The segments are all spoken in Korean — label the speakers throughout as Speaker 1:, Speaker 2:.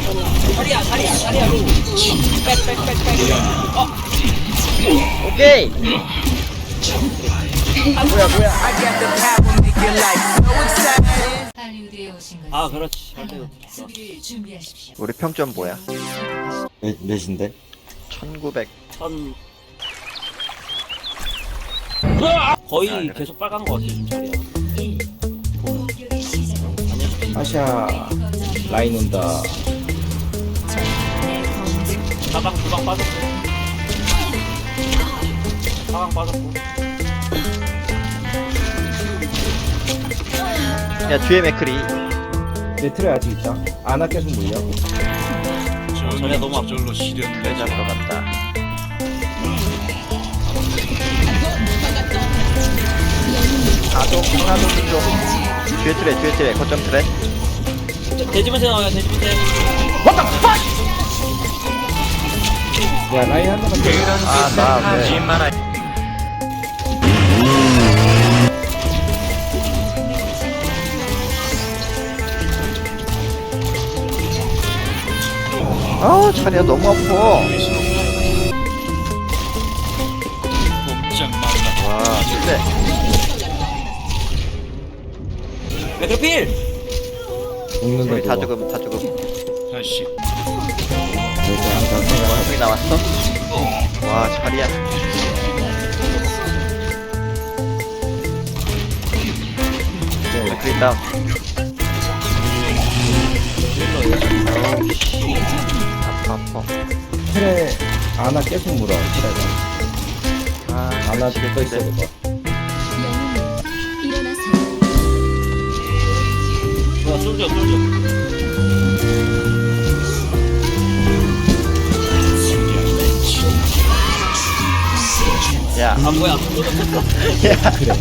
Speaker 1: 자리야 백백백백
Speaker 2: 오케이. 뭐야.
Speaker 3: 할리우드에 오신 것을
Speaker 1: 아 그렇지
Speaker 3: 환영합니다. 수비를 준비하십시오.
Speaker 2: 우리 평점 뭐야?
Speaker 4: 몇인데?
Speaker 2: 1900.
Speaker 1: 천 거의 계속 빨간 거 같아 지금 자리야
Speaker 3: 공격의 시작은
Speaker 4: 아샤 라인 온다.
Speaker 1: 사방 두방 빠졌고 사방 빠졌고
Speaker 2: 야, 뒤에 맥크리.
Speaker 4: 내 틀에 아직 있다. 아나 계속 물려.
Speaker 1: 자리야 너무 아파
Speaker 2: 내 잡으러 갔다. 하나 좀. 뒤에 트레. 거점 트레.
Speaker 1: 돼지문세 나와요 돼지문세
Speaker 4: 야 라인 한 번만 더.
Speaker 2: 아, 나 왜. 아, 자리야 너무 아파. 와, 근데
Speaker 1: 맥크필
Speaker 4: 죽는다.
Speaker 2: 우리 다
Speaker 4: 저거.
Speaker 2: 죽음.
Speaker 4: 여기 한
Speaker 2: 원숭이 나왔어? 와, 자리야. 맥크리 다운. 어우, 씨. 아파.
Speaker 4: 틀에 아나 계속 물어. 틀에가.
Speaker 2: 아,
Speaker 4: 아나 붙어 있어
Speaker 2: 미치겠는데.
Speaker 1: 뭐야 쏠져
Speaker 2: 야,
Speaker 1: 아 뭐야
Speaker 2: 야.
Speaker 4: 그래.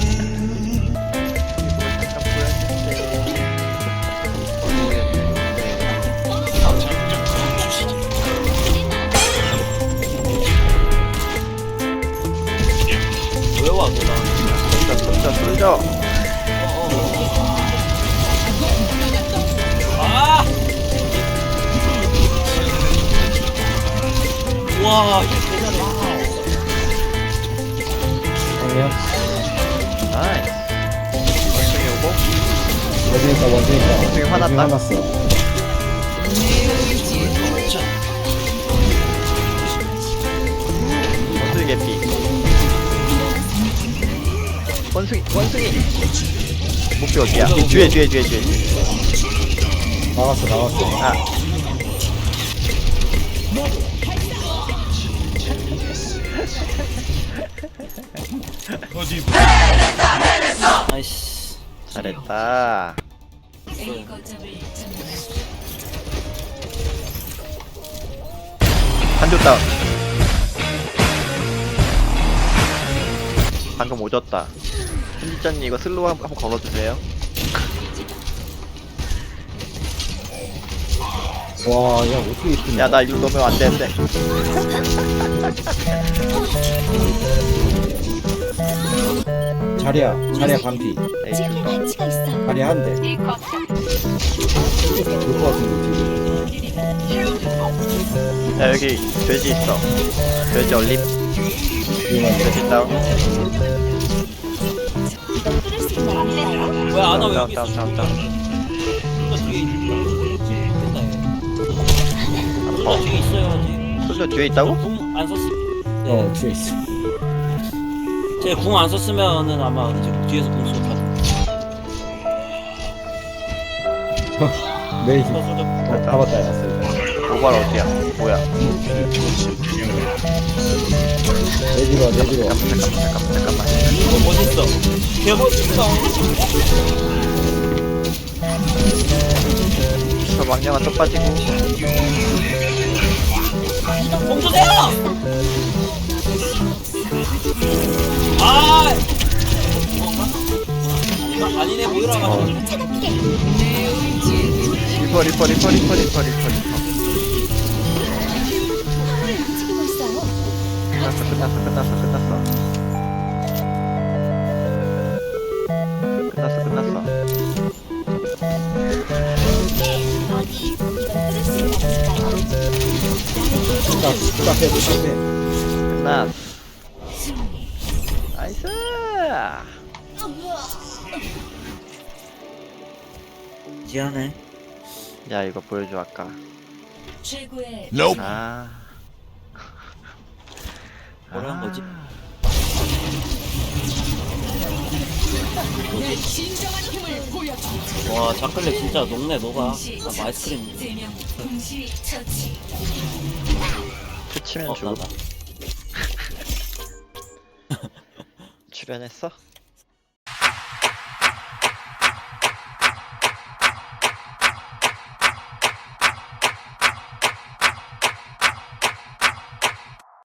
Speaker 1: 왜 와, 너
Speaker 2: 쏠져.
Speaker 1: 아! 와, 이거 대단해.
Speaker 4: 아니야.
Speaker 2: 나이스. 원숭이 오고.
Speaker 4: 원숭이니까.
Speaker 2: 원숭이 화났다.
Speaker 4: 화났어.
Speaker 2: 원숭이 개피. 원숭이. 목표 어디야? 뒤에.
Speaker 4: 나왔어.
Speaker 2: 아,
Speaker 1: 나이스.
Speaker 2: 잘했다.
Speaker 3: A 거점을 점령하십시오.
Speaker 2: 한조 다운. 방금 오졌다. 편집자님 이거 슬로우 한번 걸어주세요.
Speaker 4: 와, 야 어떻게 이렇게.
Speaker 2: 야, 나 이거 넣으면 안 되는데.
Speaker 4: 자리야 반피.
Speaker 2: 에이, 좀
Speaker 4: 자리야 한 대. 될것 같은데 지금.
Speaker 2: 야, 여기 돼지 있어. 돼지 얼림. 돼지 다운.
Speaker 1: 뭐야, 아나 왜 여기 있어?
Speaker 2: 다운.
Speaker 1: 이거 뒤에 있다.
Speaker 2: 어,
Speaker 1: 뒤에 있어야지.
Speaker 2: 솔저 뒤에 있다고?
Speaker 1: 궁안 썼어. 네.
Speaker 4: 뒤에 있어.
Speaker 1: 제 궁 안 썼으면은 아마 지금 뒤에서 궁 쏘다.
Speaker 4: 메이지.
Speaker 1: 쏘죠.
Speaker 4: 잡았다 해놨어.
Speaker 2: 모발 어디야? 뭐야?
Speaker 4: 내지로.
Speaker 2: 잠깐만.
Speaker 1: 멋있어. 개 멋있어.
Speaker 2: 저 망령아 또 빠지고.
Speaker 1: 공 주세요. 아. 뭔가? 아니네 모이라 가지고.
Speaker 2: 리퍼. 끝났어.
Speaker 4: 답답해.
Speaker 2: 끝났어.
Speaker 3: 승리.
Speaker 2: 나이스.
Speaker 1: 지하네.
Speaker 2: 야 이거 보여줘 아까.
Speaker 3: 최고의
Speaker 2: 아.
Speaker 1: 뭐라 한 거지? 와 자클레 진짜 녹네 녹아.
Speaker 3: 동시
Speaker 1: 아, 아이스크림.
Speaker 3: 3명 동시 처치.
Speaker 2: 투치면 죽음.
Speaker 1: 나다.
Speaker 2: 출연했어?